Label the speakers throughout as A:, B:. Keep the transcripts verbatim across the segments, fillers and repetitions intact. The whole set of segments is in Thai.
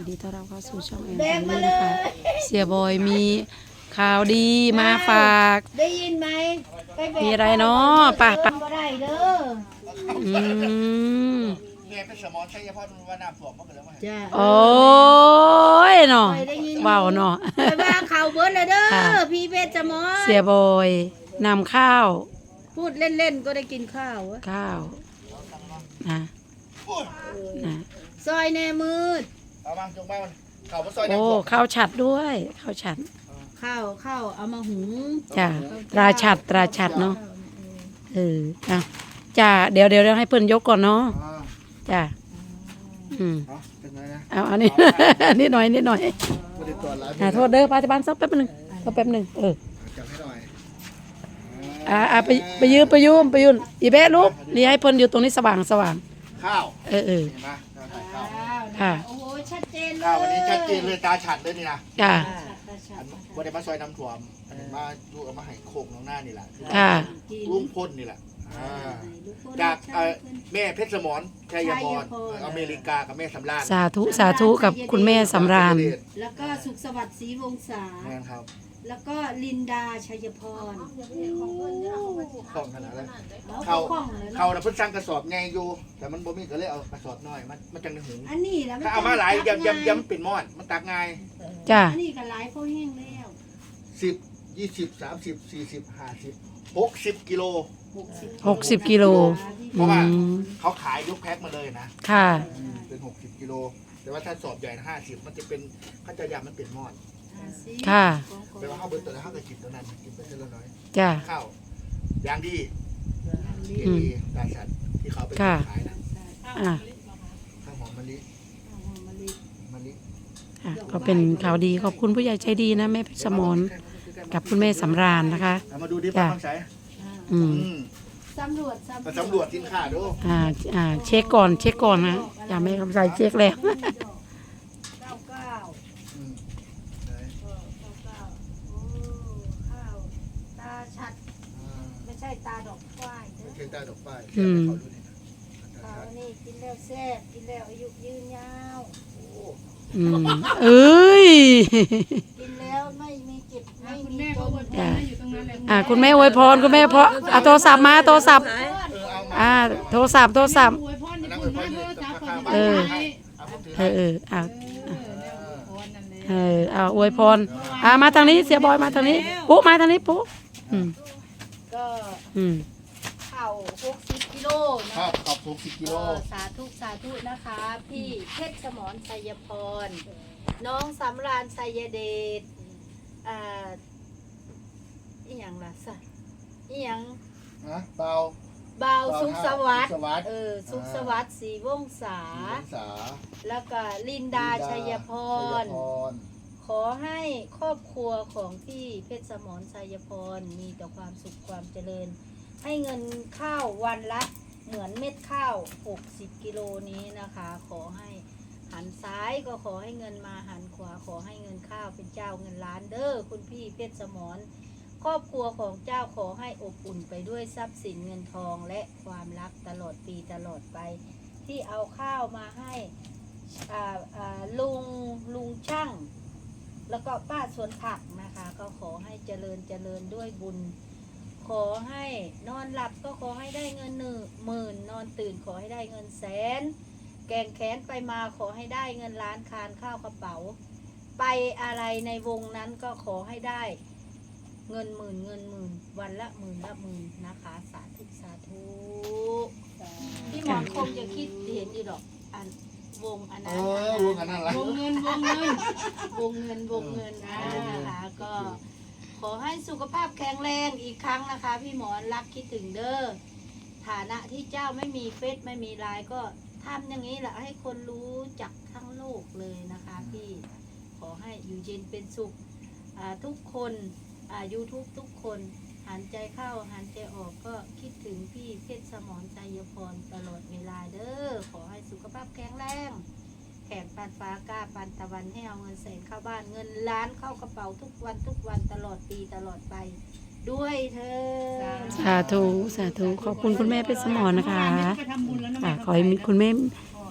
A: นดีต้อนรับเข้าสู่ช่องแอนแฟมิลี่นะคะเสียบอยมีข่าวดีมาฝาก
B: ได้ยินไหม
A: มีอะไรเนาะป่ะป่ะ
B: บ่ได้เด้อ
A: อืม
C: เนี่ยเป็นสมอใช่เฉพาะว่าน้ำท่วมมันก็เลยว่า
B: จ้า
A: โอ้ยเนาะว้าวเนาะ
B: ไปว่าข่าวเบิร์ดเลยเด้อพี่เพชรจมอ
A: เสียบอยนำข้าว
B: พูดเล่นๆก็ได้กินข้าวอะ
A: ข้าวนะนะ
B: ซอยแน่มืด
C: เอามาจงมาเขามาซอย
A: โอ้ข้าวฉัดด้วยข้าวฉัด
B: ข้าวข้าวเอามาหุง
A: จ้าตราฉัดตราฉัดเนาะเอออ่ะจ้าเดี๋ยวเดี๋ยวให้เพิ่นยกก่อนเนาะจ้าอืม
C: เป็นไงนะ
A: เอาอันนี้ นิดหน่อยนิดหน่อย
C: ไม่ได้ตรวจร้าน
A: อ่าโทษเด้อปัจจุบันสักแป๊บหนึงสักแป๊บหนึงเออ
C: จับให้หน่อย
A: อ่าอ่าไปไปยืมไปยืมไปยืมอีเบ้ลูกนี่ให้เพิ่นอยู่ตรงนี้สว่างสว่าง
C: ข้าว
A: เออเออ
C: เห็นไหมเราถ่ายข้าว
A: ค่ะ
B: โอ้โหชัดเจนเลย
C: ข้าววันนี้ชัดเจนเลยตาฉัดเลยนี่นะ
A: จ้า
C: วันนี้มาซอยน้ำท่วมอันนี้มาดูเอามาให้โคกน้องหน้านี่แหละ
A: ค่ะ
C: ลุงพ่นนี่แหละอ่าจากเอ่อแม่เพชรสมรชัยพรอเมริกากับแม่สำราญ
A: สาธุสาธุกับคุณแม่สำราญ
B: แล้วก็สุขสวัสดิ์ศรีวงศา
C: แม่ครับ
B: แล้วก็ลินดาชัยพร
C: คล่องขนาดนั้น
B: เขา
C: เขา
B: คล่องเลย
C: เขา
B: เนาะ
C: น่ะเพิ่นสั่งกระสอบไงอยู่แต่มันบ่มีก็เลยเอากระสอบน้อยมันมันจังในหุง
B: อันนี้แล้ว
C: ถ้าเอามาหลายยำยำยำเป็นมอดมันตักง่าย
A: จ้า
B: อันนี้ก็หลายเขาแห้งแล้ว
C: สิบยี่สิบสามสิบสี่สิบห้าสิบหกสิบกิโล
A: หกสิบกิโล
C: เพราะว่า
A: อืม
C: เขาขายยกแพ็คมาเลยนะ
A: ค่ะ
C: เป็นหกสิบกิโลแต่ว่าถ้าสอบใหญ่ห้าสิบมันจะเป็นเขาจะยำมันเป็นมอด
A: ค่ะ
C: แปลว่าข้าวเบิร์ตตัวนั้นข้าวกระจิบตัวนั้นกินไปเท่าน้อย
A: จ้า
C: ข้าวอย่างดีเก
A: อืม
C: ดีตาสัตว์ที่เขาไป
A: ค่ะ
C: ขายนะ
A: อ่ะ
C: ข้าวหอมมะลิมะลิ
A: อ่ะก็เป็นข่าวดีขอบคุณผู้ใหญ่ใจดีนะแม่เพชรสมรกับคุณแม่สำราญนะคะ
C: เอามาดูดิป้าคำใส
A: อืม
C: อืม
B: สำรวจ
C: มาสำรวจสินค้าดู
A: อ่าอ่าเช็คก่อนเช็คก่อนนะอย่าไม่คำใส่เช็คแล้ว
B: เก้าเก้า
C: อืมไหน
B: เก้าเก้าโอ้ข้าวตาชัด
C: อ่า
B: ไม่ใช่ตาดอกควายเด้อ
C: เทียนตาดอกป้าย
A: อืม
C: เขาดูนี่นะ
B: ข้าวนี่กินแล้วแซ่บกินแล้วอายุยืนยาว
C: โอ้
A: อืมเอ้ย
B: กินแล้วไม่มีเจ็บไม่มีจน
A: จ้ะอ่าคุณแม่อวยพรคุณแม่เพราะเอาโทรศัพท์มาโทรศัพท์
C: เออเอามา
A: อ่าโทรศัพท์โทรศัพท์
D: อวยพร
C: อัน
D: ญี่
C: นั้น
D: ปุ่
C: เป็น
D: น
C: พ่อ
D: มา
C: เนี่
D: เถ
C: ย
D: อะ
C: เอา
D: จ้า
C: ข้าว
D: คน
C: บ้าน
D: ที่
A: เออเออเอา
D: เออแล้วอวยพรนั่นแหละ
A: เออเอาอวยพรอ่ามาทางนี้เสียบอยมาทางนี้ปุ๊มาทางนี้ปุ๊อืม
B: ก็
A: อืม
B: ข้าวหกสิบกิโลนะ
C: ข้าวขอบหกสิบกิโล
B: ก็สาธุสาธุนะคะ พี่เพชรสมรชัยพร น้องสำราญชัยเดชอ่าอีหยังล่ะสะอีหยัง
C: นะเปล่า
B: เบาวสุขสวัสดิ์
C: สุขสวัสดิ์
B: เออสุขสวัสดิ์ศรีวงศา
C: สีพรรษา
B: แล้วก็ลินดาชัยพร
C: ชัยพร
B: ขอให้ครอบครัวของพี่เพชรสมรชัยพรมีแต่ความสุขความเจริญ ให้เงินข้าววันละเหมือนเม็ดข้าวหกสิบกิโลนี้นะคะ ขอให้หันซ้ายก็ขอให้เงินมาหันขวาขอให้เงินข้าวเป็นเจ้าเงินล้านเด้อคุณพี่เพชรสมรครอบครัวของเจ้าขอให้อบอุ่นไปด้วยทรัพย์สินเงินทองและความรักตลอดปีตลอดไป ที่เอาข้าวมาให้อ่าอ่าลุงลุงช่าง แล้วก็ป้าสวนผักนะคะ ก็ขอให้เจริญเจริญด้วยบุญ ขอให้นอนหลับก็ขอให้ได้เงินหนึ่งหมื่นนอนตื่นขอให้ได้เงินแสน แกงแขนไปมาขอให้ได้เงินล้านคานข้าวกระเป๋า ไปอะไรในวงนั้นก็ขอให้ได้เงินหมื่นเงินหมื่นวันละหมื่นละหมื่นนะคะสาธุสาธุพี่หมอนคงจะคิดเห็นอยู่ดอกอันวงอัน
C: เอ
B: นั้น
C: อรู้กันนั่นแหละ
D: วงเงินวงเงิน
B: วงเงินวงเงินนะนะคะก็ ขอให้สุขภาพแข็งแรงอีกครั้งนะคะ พี่หมอนรักคิดถึงเด้อฐานะที่เจ้าไม่มีเฟซไม่มีไลน์ก็ทำอย่างนี้แหละให้คนรู้จักทั้งโลกเลยนะคะพี่ขอให้อยู่เย็นเป็นสุขอ่าทุกคนอ่า YouTube ทุกคนหันใจเข้าหันใจออกก็คิดถึงพี่เพชรสมรชัยพรตลอดเวลาเด้อขอให้สุขภาพแข็งแรงแข่งปันฟ้ากล้าปันตะวันให้เอาเงินแสนเข้าบ้านเงินล้านเข้ากระเป๋าทุกวันทุกวันตลอดปีตลอดไปด้วยเธอ
A: สาธุสาธุขอบคุณคุณแม่เพชรสมรนะคะ
D: ไปทำบุญแล้วนะ
A: อ่ะ
D: แม่
A: ขอให้มีคุณแม่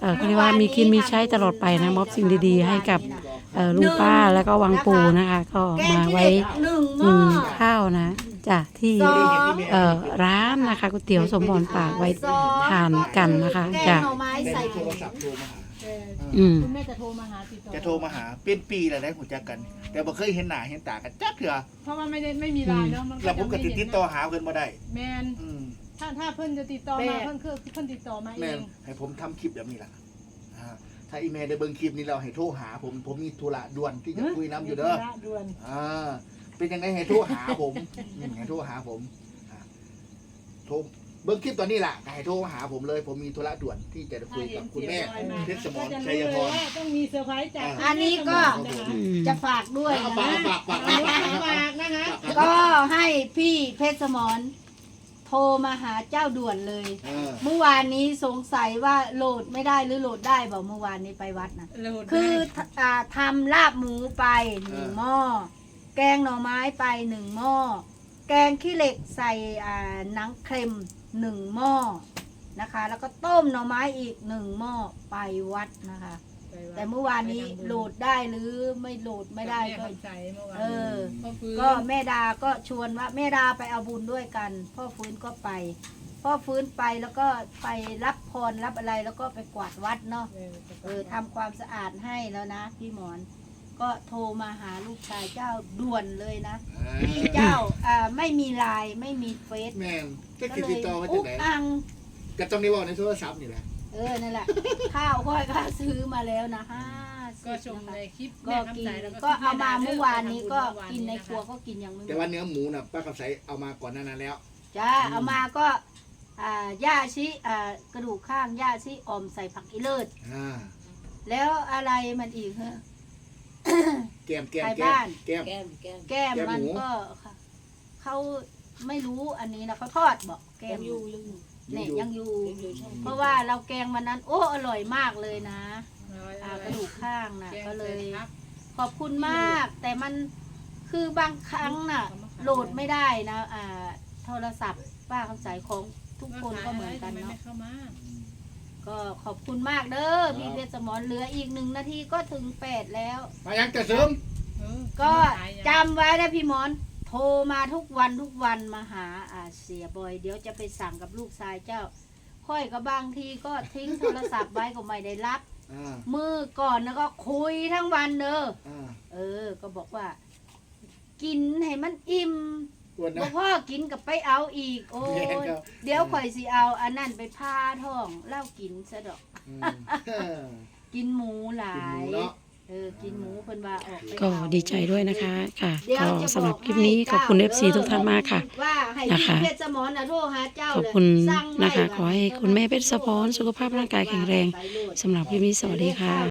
A: เออเขาเรียกว่ามีกินมีใช้ตลอดไปนะมอบสิ่งดีๆให้กับเอ่อลุงป้าแล้วก็วังปูนะคะ ก็
B: แกง
A: มา
B: ขี้
A: ไว้
B: เหล็กหนึ่งห
A: หุ
B: ม้
A: ง
B: อ
A: ข้าวนะจ้ะที่
B: สอง
A: เอ่อร้านนะคะก๋วยเตี๋ยวสมพรปากไว้ทานกันนะคะ
B: แก
A: จ้ะ
B: งหน่อไม้
C: แม่
B: ใส่
C: โท
B: ถุ
C: รง ศัพท์โทรมาหา
D: เออ
A: อืม
D: คุณแม่จะโทรมาหาติดต่อ
C: จะโทรมาหาเป็นปีแล้วได้หูจักกัน แต่บ่เคยเห็นหน้าเห็นตากันจักเถื่อ
D: เพราะว่าไม่ได้ไม่มีไลน์เนาะมัน
C: แล้วผมก็ติดติดต่อหาเพิ่นบ่ได้
D: แมน
C: อืม
D: ถ้าถ้าเพิ่นจะติดต่อมาเพิ่นคือเพิ่นติดต่อมาเอ
C: แม่น
D: ง
C: ให้ผมทำคลิปแบบนี้ล่ะอ่าถ้าอีเมลได้เบิ่งคลิปนี้เราให้โทรหาผมผมมีธุระด่วนที่จะคุยน้ำอยู่เด้อ
D: ระด่วน
C: อ่าเป็นยังไงให้โทรหาผมอืมให้โทรหาผมอ่าโทรเบิ่งคลิปตอนนี้ล่ะให้โทรหาผมเลย ผมมีธุระด่วนที่จะคุยกับคุณแม่เพชรสมร
D: ก็จะ
C: ชัย
D: รู้
C: พ
D: เลย
C: ร
D: ว่าต้องมีเซอร์ไพรส์จาก
B: อันนี้ก็
A: อืม
B: จะฝากด้วย
C: เอา
B: นะ
C: ฝากฝากฝาก
D: เอา
C: ฝาก
D: ไว้
C: ฝาก
D: ฝากนะคะ
B: ก็ให้พี่เพชรสมรโทรมาหาเจ้าด่วนเลย
C: เออ
B: เมื่อวานนี้สงสัยว่าโหลดไม่ได้หรือโหลดได้บอกเมื่อวานนี้ไปวัดนะ
D: โหลด
B: คือ
D: ได้
B: อ่าทำลาบหมูไปหนึ่งหม้อ แกงหน่อไม้ไปหนึ่งหม้อ แกงขี้เหล็กใส่อ่าหนังเค็มหนึ่งหม้อนะคะ แล้วก็ต้มหน่อไม้อีกหนึ่งหม้อไปวัดนะคะ แต่เมื่อวานนี้โหลดได้หรือไม่โหลดไม่ได้ก็
D: แม่คำใจเมื่อวาน
B: เออ
D: พ่อฟื้น
B: ก็แม่ดาก็ชวนว่าแม่ดาไปเอาบุญด้วยกัน พ่อฟื้นก็ไป พ่อฟื้นไปแล้วก็ไปรับพรรับอะไรแล้วก็ไปกวาดวัดเนาะ
D: เออ
B: เออทำความสะอาดให้แล้วนะพี่หมอน ก็โทรมาหาลูกชายเจ้าด่วนเลยนะพี่เจ้าอ่าไม่มีไลน์ไม่มีเฟซ
C: แม่นจะ
B: ก็
C: ติด
B: เล
C: ติด
B: ย
C: ต่อมาจาก
B: อุ๊ก
C: ไหน
B: อัง
C: ก็ต้องได้บอกในโทรศัพท์นี่แหละ
B: เออนั่นแหละ ข้าวค่อยก็ซื้อมาแล้วนะห้าสิบ
D: ก็ชม
B: นะคะ
D: ในคลิป
B: ก็
D: แม่
B: กิ
D: คำ
B: น
D: ใจแล้ว
B: ก็เอามาเมื่อวานนี้ก็
D: ไปทำบุญ
B: กินในครัว
D: เมื่อวา
B: ก็กินยังไม่หม
C: แต่
B: ด
C: ว่าเนื้อหมูน่ะป้าคำใสเอามาก่อนหนานั้นแล้ว
B: จ้า
C: อืม
B: เอามาก็อ่าย่าชิอ่ากระดูกข้างย่าชิออมใส่ผักอีเลิศ
C: อ่า
B: แล้วอะไรมันอีกเหรอ
C: แก้มแก้ม
B: ไป
C: แก้
B: บ้าม น
C: แก้ม
B: แก้ม
C: แก้ม
B: แก้ม
C: แก้ม
B: มัน
C: หมู
B: ก็ค่ะเขาไม่รู้อันนี้นะเขาทอดบอกแก้มอยู่เนี่ยยังอยู่ เพราะว่าเราแกงวันนั้น โอ้อร่อยมากเลยนะอ่ากระดูกข้างนะก็เลย ขอบคุณมาก แต่มันคือบางครั้งน่ะ โหลดไม่ได้นะอ่าโทรศัพท์ป้าคำสายของทุกคนก็เหมือนกันเนาะก็ขอบคุณมากเด้อพี่เพชรสมรเหลืออีกหนึ่งนาทีก็ถึงแปดแล้ว
C: มายังจะเสริม
B: ก็จำไว้นะพี่หมอน โทรมาทุกวันทุกวันมาหาอาเสียบอย เดี๋ยวจะไปสั่งกับลูกชายเจ้า ค่อยก็บางทีก็ทิ้งโทรศัพท์ไว้ก็ไม่ได้รับ
C: อ่า
B: มือก่อนแล้วก็คุยทั้งวันเด้อ
C: อ่า
B: เออ ก็บอกว่า กินให้มันอิ่ม
C: อ้วน
B: บ่
C: นะ
B: พ่อกินกับไปเอาอีก โอ้
C: แม่น
B: ย
C: ครับ
B: เดี๋ยวข่อยสิเอาอันนั้นไปพาท้องเล่ากินซะดอก
C: อืมเออ
B: กินหมูหลา
C: กินหมู
B: ย
C: เนาะ
B: เออ กินหมูเพิ่นว่าออกไป
A: ก็
B: เอา
A: ดีใจด้วยนะคะค่ะ
B: เดี๋ยว
A: ก็
B: จะ
A: สำหรับ
B: อก
A: คลิปนี้
B: ให้
A: ขอบคุณ
B: เจ้า
A: เอฟซีทุกท่านมากค่ะ
B: ว่าให้
A: นะคะ
B: พี่เพชรสมรน่ะโทรหาเจ้า
A: ขอบ
B: เลย
A: คุณ
B: สั่งไว้
A: นะคะ
B: ว่า
A: ขอให้คุณแม่เพชรสะพรสุขภาพร่างกายแข็งแรง สำหรับคลิปนี้สวัสดีค่ะ